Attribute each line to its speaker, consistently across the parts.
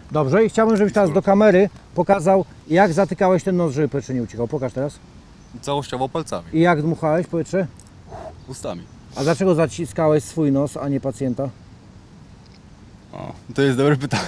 Speaker 1: Dobrze, i chciałbym, żebyś teraz do kamery pokazał, jak zatykałeś ten nos, żeby powietrze nie uciekał. Pokaż teraz.
Speaker 2: Całościowo palcami,
Speaker 1: I jak dmuchałeś powietrze?
Speaker 2: ustami.
Speaker 1: A dlaczego zaciskałeś swój nos, a nie pacjenta?
Speaker 2: O, to jest dobre pytanie.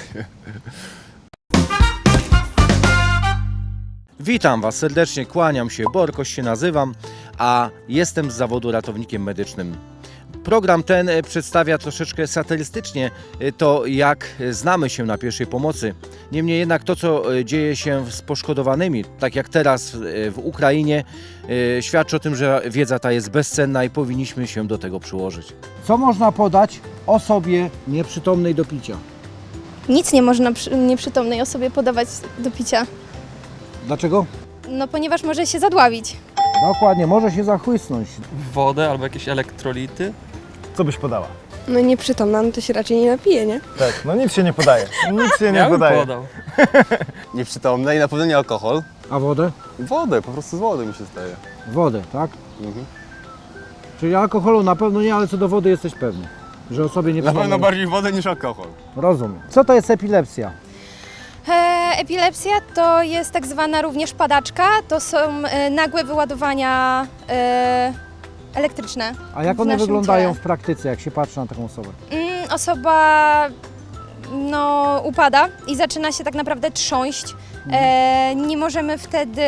Speaker 1: Witam Was serdecznie, kłaniam się, Borkoś się nazywam, a jestem z zawodu ratownikiem medycznym. Program ten przedstawia troszeczkę satyrystycznie to, jak znamy się na pierwszej pomocy. Niemniej jednak to, co dzieje się z poszkodowanymi, tak jak teraz w Ukrainie, świadczy o tym, że wiedza ta jest bezcenna i powinniśmy się do tego przyłożyć. Co można podać osobie nieprzytomnej do picia?
Speaker 3: Nic nie można nieprzytomnej osobie podawać do picia,
Speaker 1: Dlaczego?
Speaker 3: no ponieważ może się zadławić.
Speaker 1: Dokładnie, może się zachłysnąć.
Speaker 4: Wodę albo jakieś elektrolity.
Speaker 5: Co byś podała?
Speaker 6: No nieprzytomna, no to się raczej nie napije, nie?
Speaker 5: Tak, no nic się nie podaje. Nic się nie
Speaker 4: Ja bym
Speaker 5: podaje.
Speaker 4: podał.
Speaker 2: Nieprzytomne i na pewno nie alkohol.
Speaker 1: A wodę?
Speaker 2: Wodę, po prostu z wody mi się zdaje.
Speaker 1: Wodę, tak?
Speaker 2: Mhm.
Speaker 1: Czyli alkoholu na pewno nie, ale co do wody jesteś pewny, że osobie
Speaker 2: Na
Speaker 1: nieprzytomnej...
Speaker 2: pewno bardziej wodę niż alkohol.
Speaker 1: Rozumiem. Co to jest epilepsja?
Speaker 3: Epilepsja to jest tak zwana również padaczka, to są nagłe wyładowania elektryczne.
Speaker 1: A jak
Speaker 3: w
Speaker 1: one
Speaker 3: naszym
Speaker 1: wyglądają
Speaker 3: ciele.
Speaker 1: w praktyce, jak się patrzy na taką osobę?
Speaker 3: Osoba upada i zaczyna się tak naprawdę trząść. Nie możemy wtedy,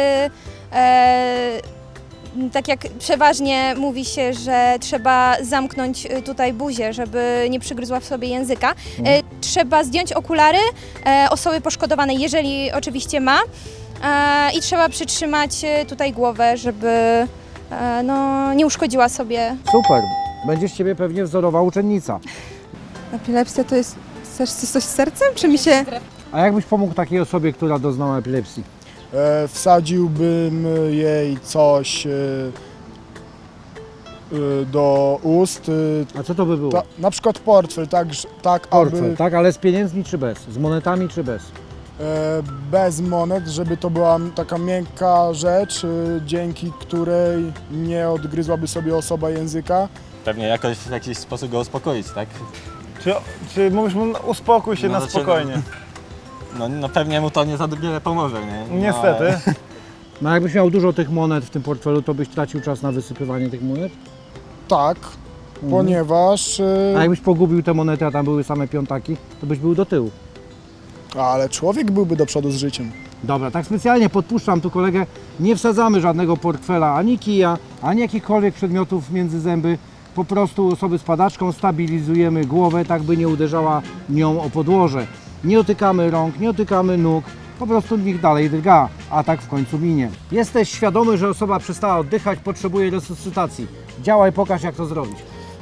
Speaker 3: tak jak przeważnie mówi się, że trzeba zamknąć tutaj buzię, żeby nie przygryzła w sobie języka. Trzeba zdjąć okulary osoby poszkodowanej, jeżeli oczywiście ma. I trzeba przytrzymać tutaj głowę, żeby nie uszkodziła sobie.
Speaker 1: Super. Będzie z Ciebie pewnie wzorowa uczennica.
Speaker 6: Epilepsja to jest coś z sercem, czy mi się...
Speaker 1: A jak byś pomógł takiej osobie, która doznała epilepsji?
Speaker 7: Wsadziłbym jej coś do ust,
Speaker 1: A co to by było?
Speaker 7: na przykład portfel, tak
Speaker 1: Portfel,
Speaker 7: aby
Speaker 1: tak? Ale z pieniędzmi czy bez? Z monetami czy bez?
Speaker 7: bez monet, żeby to była taka miękka rzecz, dzięki której nie odgryzłaby sobie osoba języka.
Speaker 8: Pewnie jakoś w jakiś sposób go uspokoić, tak?
Speaker 5: Czy mówisz mu, uspokój się
Speaker 8: No
Speaker 5: na
Speaker 8: dlaczego?
Speaker 5: spokojnie?
Speaker 8: No pewnie mu to nie za wiele pomoże, nie? No,
Speaker 5: Niestety.
Speaker 1: No jakbyś miał dużo tych monet w tym portfelu, to byś tracił czas na wysypywanie tych monet?
Speaker 7: Tak, ponieważ...
Speaker 1: A jakbyś pogubił te monety, a tam były same piątaki, to byś był do tyłu.
Speaker 7: Ale człowiek byłby do przodu z życiem.
Speaker 1: Dobra, tak specjalnie podpuszczam tu kolegę, nie wsadzamy żadnego portfela, ani kija, ani jakichkolwiek przedmiotów między zęby. Po prostu osoby z padaczką stabilizujemy głowę, tak by nie uderzała nią o podłoże. Nie dotykamy rąk, nie dotykamy nóg, po prostu niech dalej drga, a tak w końcu minie. Jesteś świadomy, że osoba przestała oddychać, potrzebuje resuscytacji. Działaj, pokaż jak to zrobić.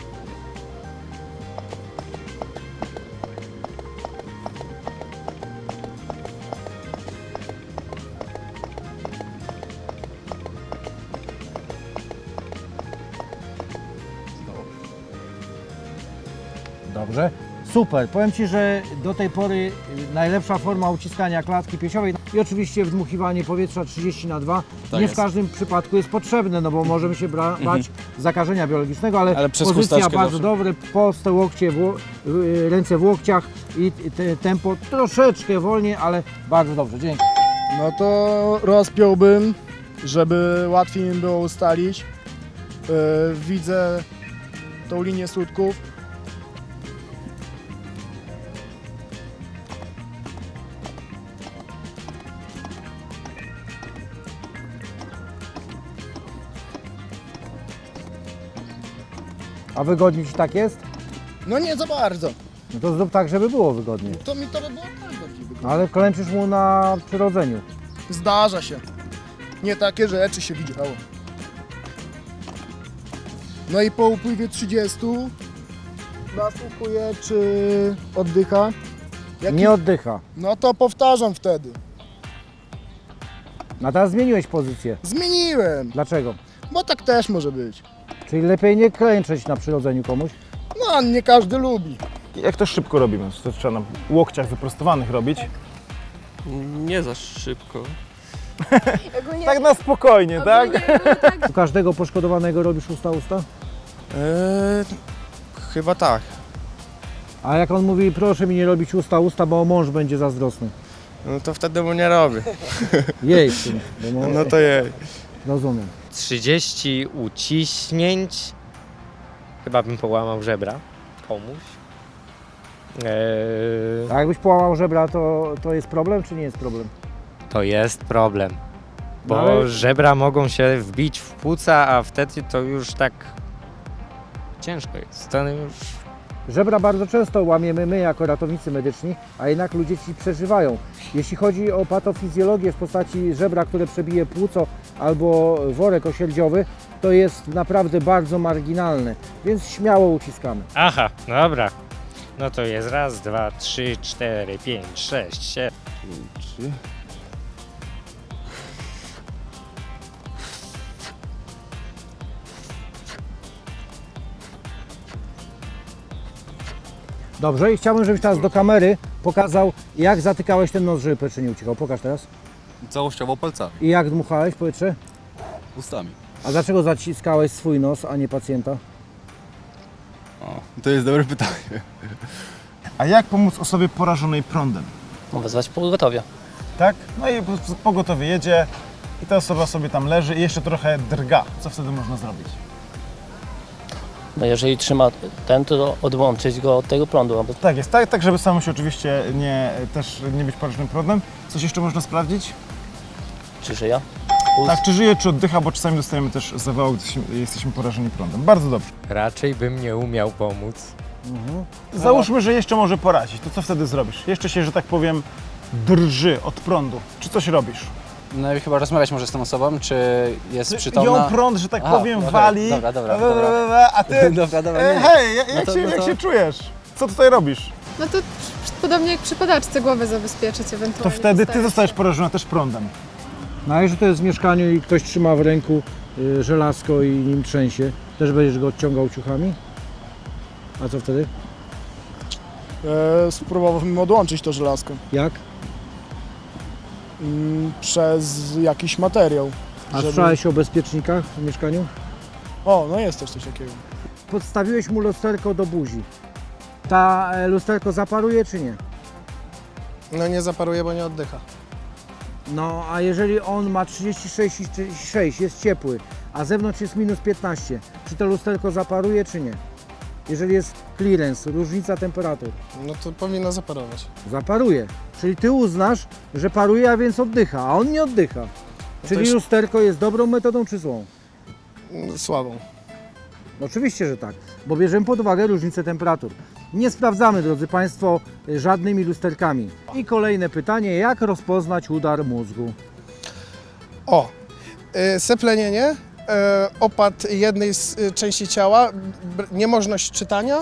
Speaker 1: Dobrze, super. Powiem Ci, że do tej pory najlepsza forma uciskania klatki piersiowej i oczywiście wdmuchiwanie powietrza 30×2
Speaker 2: Tak
Speaker 1: nie
Speaker 2: jest.
Speaker 1: w każdym przypadku jest potrzebne, no bo możemy się bać zakażenia biologicznego,
Speaker 2: Ale przez
Speaker 1: pozycja
Speaker 2: chusteczkę
Speaker 1: bardzo
Speaker 2: zawsze.
Speaker 1: dobre, proste łokcie, ręce w łokciach i tempo troszeczkę wolniej, ale bardzo dobrze, dzięki.
Speaker 7: No to rozpiąłbym, żeby łatwiej mi było ustalić. Widzę tą linię słupków.
Speaker 1: A wygodnie Ci tak jest?
Speaker 7: No nie za bardzo.
Speaker 1: No to zrób tak, żeby było wygodnie.
Speaker 7: To mi to by było tak bardziej wygodne.
Speaker 1: Ale klęczysz mu na przyrodzeniu.
Speaker 7: Zdarza się. Nie takie rzeczy się widziało. No i po upływie 30 nasłuchuję, czy oddycha. Jak
Speaker 1: Nie oddycha.
Speaker 7: No to powtarzam wtedy.
Speaker 1: A teraz zmieniłeś pozycję.
Speaker 7: Zmieniłem,
Speaker 1: Dlaczego?
Speaker 7: bo tak też może być.
Speaker 1: Czyli lepiej nie klęczeć na przyrodzeniu komuś?
Speaker 7: No, nie każdy lubi.
Speaker 5: Jak to szybko robimy? To trzeba na łokciach wyprostowanych robić.
Speaker 4: Nie za szybko.
Speaker 5: Tak na spokojnie, tak?
Speaker 1: U każdego poszkodowanego robisz usta?
Speaker 9: Chyba tak.
Speaker 1: A jak on mówi, proszę mi nie robić usta, bo mąż będzie zazdrosny.
Speaker 9: No to wtedy mu nie robię.
Speaker 1: Jej, w sumie, bo
Speaker 9: No to jej.
Speaker 1: rozumiem.
Speaker 10: 30 uciśnięć. Chyba bym połamał żebra komuś.
Speaker 1: A jakbyś połamał żebra, to jest problem, czy nie jest problem?
Speaker 10: To jest problem. Bo
Speaker 1: No ale-
Speaker 10: żebra mogą się wbić w płuca, a wtedy to już tak ciężko jest. To już...
Speaker 1: Żebra bardzo często łamiemy my jako ratownicy medyczni, a jednak ludzie ci przeżywają. Jeśli chodzi o patofizjologię w postaci żebra, które przebije płuco albo worek osieldziowy, to jest naprawdę bardzo marginalne, więc śmiało uciskamy.
Speaker 10: Aha, dobra. No to jest raz, 2, 3, 4, 5, 6, 7.
Speaker 2: 3.
Speaker 1: Dobrze, i chciałbym, żebyś teraz do kamery pokazał, jak zatykałeś ten nos, żeby powietrze nie uciekał. Pokaż teraz.
Speaker 2: Całościowo palcami,
Speaker 1: I jak dmuchałeś powietrze?
Speaker 2: ustami.
Speaker 1: A dlaczego zaciskałeś swój nos, a nie pacjenta?
Speaker 2: O, to jest dobre pytanie.
Speaker 5: A jak pomóc osobie porażonej prądem?
Speaker 11: Wezwać pogotowie.
Speaker 5: Tak? No i pogotowie jedzie i ta osoba sobie tam leży i jeszcze trochę drga. Co wtedy można zrobić?
Speaker 11: No jeżeli trzyma ten, to odłączyć go od tego prądu.
Speaker 5: Tak jest, tak żeby samemu się oczywiście też nie być porażonym prądem. Coś jeszcze można sprawdzić?
Speaker 11: Czy żyje?
Speaker 5: Tak, czy żyje, czy oddycha, bo czasami dostajemy też zawału, gdy jesteśmy porażeni prądem. Bardzo dobrze.
Speaker 10: Raczej bym nie umiał pomóc.
Speaker 5: Załóżmy, że jeszcze może porazić. To co wtedy zrobisz? Jeszcze się, że tak powiem, drży od prądu. Czy coś robisz?
Speaker 9: No i chyba rozmawiać może z tą osobą, czy jest
Speaker 5: Ją
Speaker 9: przytomna.
Speaker 5: prąd, że tak
Speaker 9: Aha,
Speaker 5: powiem,
Speaker 9: okej,
Speaker 5: wali.
Speaker 9: dobra.
Speaker 5: A ty,
Speaker 9: Dobra,
Speaker 5: hej, jak
Speaker 9: No to-
Speaker 5: jak się czujesz? Co tutaj robisz?
Speaker 6: No to podobnie jak przy padaczce głowę zabezpieczyć
Speaker 5: To
Speaker 6: ewentualnie.
Speaker 5: wtedy ty zostajesz porażona też prądem.
Speaker 1: No a jeżeli to jest w mieszkaniu i ktoś trzyma w ręku żelazko i nim trzęsie, też będziesz go odciągał ciuchami? A co wtedy?
Speaker 7: Spróbowałbym odłączyć to żelazko
Speaker 1: Jak?
Speaker 7: przez jakiś materiał.
Speaker 1: A słyszałeś o bezpiecznikach w mieszkaniu?
Speaker 7: O, no jest też coś takiego.
Speaker 1: Podstawiłeś mu lusterko do buzi. Ta lusterko zaparuje czy nie?
Speaker 9: No nie zaparuje, bo nie oddycha.
Speaker 1: No a jeżeli on ma 36,6, jest ciepły, a zewnątrz jest minus 15, czy to lusterko zaparuje czy nie? Jeżeli jest clearance, różnica temperatur,
Speaker 9: No to powinno zaparować.
Speaker 1: zaparuje. Czyli ty uznasz, że paruje, a więc oddycha, a on nie oddycha. Czyli
Speaker 9: jest-
Speaker 1: lusterko jest dobrą metodą czy złą?
Speaker 9: Słabą.
Speaker 1: Oczywiście, że tak, bo bierzemy pod uwagę różnicę temperatur. Nie sprawdzamy, drodzy Państwo, żadnymi lusterkami. I kolejne pytanie, jak rozpoznać udar mózgu?
Speaker 9: O, seplenienie, opad jednej części ciała, niemożność czytania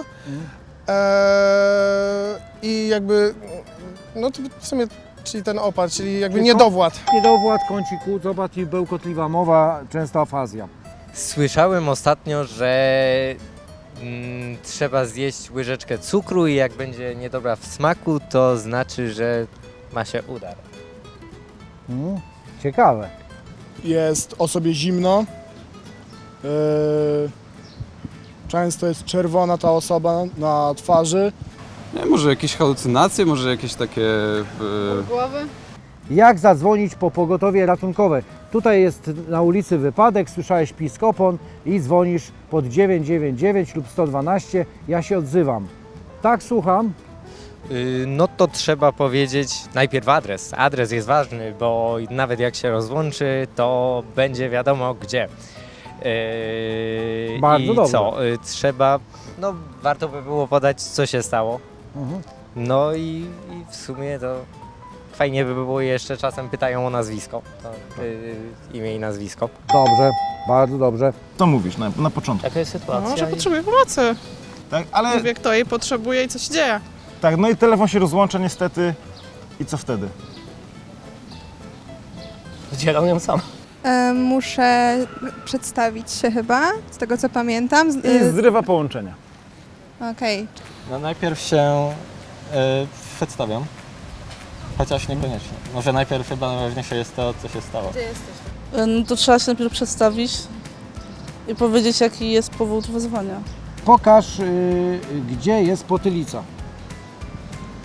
Speaker 9: i jakby, no to w sumie, czyli ten opad, czyli jakby
Speaker 1: Tylko?
Speaker 9: niedowład.
Speaker 1: Niedowład, kąciku, zobacz i bełkotliwa mowa, często afazja.
Speaker 10: Słyszałem ostatnio, że trzeba zjeść łyżeczkę cukru i jak będzie niedobra w smaku, to znaczy, że ma się udar.
Speaker 1: Ciekawe.
Speaker 7: Jest osobie zimno. Często jest czerwona ta osoba na twarzy.
Speaker 2: Nie, może jakieś halucynacje, może jakieś takie...
Speaker 6: Głowy?
Speaker 1: Jak zadzwonić po pogotowie ratunkowe? Tutaj jest na ulicy wypadek, słyszałeś pisk opon i dzwonisz pod 999 lub 112, ja się odzywam. Tak, słucham.
Speaker 10: No to trzeba powiedzieć najpierw adres. Adres jest ważny, bo nawet jak się rozłączy, to będzie wiadomo gdzie.
Speaker 1: Bardzo
Speaker 10: I
Speaker 1: dobrze.
Speaker 10: co? Trzeba, no warto by było podać, co się stało. No i w sumie to fajnie by było jeszcze czasem pytają o nazwisko. To, imię i nazwisko.
Speaker 1: Dobrze, bardzo dobrze.
Speaker 5: To mówisz na początku.
Speaker 11: Jaka jest sytuacja?
Speaker 6: Może potrzebuje pomocy.
Speaker 5: Tak, ale
Speaker 6: Mówię, kto jej potrzebuje i co się dzieje.
Speaker 5: tak, no i telefon się rozłącza niestety. I co wtedy?
Speaker 11: Zdzielam ją sam.
Speaker 6: Muszę przedstawić się chyba, z tego co pamiętam.
Speaker 5: I zrywa połączenia.
Speaker 6: Okej.
Speaker 8: No najpierw się przedstawiam, chociaż niekoniecznie. Może najpierw chyba najważniejsze jest to, co się stało.
Speaker 12: No to trzeba się najpierw przedstawić i powiedzieć, jaki jest powód wezwania.
Speaker 1: Pokaż, gdzie jest potylica.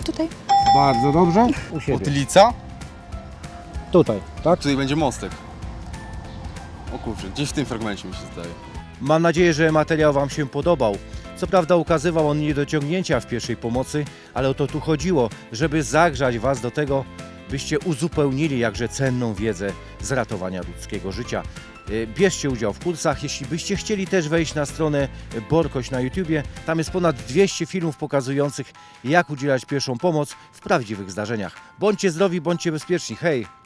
Speaker 3: tutaj.
Speaker 5: Bardzo dobrze. U siebie.
Speaker 2: Otylica?
Speaker 5: Tutaj, tak?
Speaker 2: Tutaj będzie mostek. O kurczę, gdzieś w tym fragmencie mi się zdaje.
Speaker 1: Mam nadzieję, że materiał Wam się podobał. Co prawda ukazywał on niedociągnięcia w pierwszej pomocy, ale o to tu chodziło, żeby zagrzać Was do tego, byście uzupełnili jakże cenną wiedzę z ratowania ludzkiego życia. Bierzcie udział w kursach, jeśli byście chcieli też wejść na stronę Borkoś na YouTubie. Tam jest ponad 200 filmów pokazujących, jak udzielać pierwszą pomoc w prawdziwych zdarzeniach. Bądźcie zdrowi, bądźcie bezpieczni. Hej!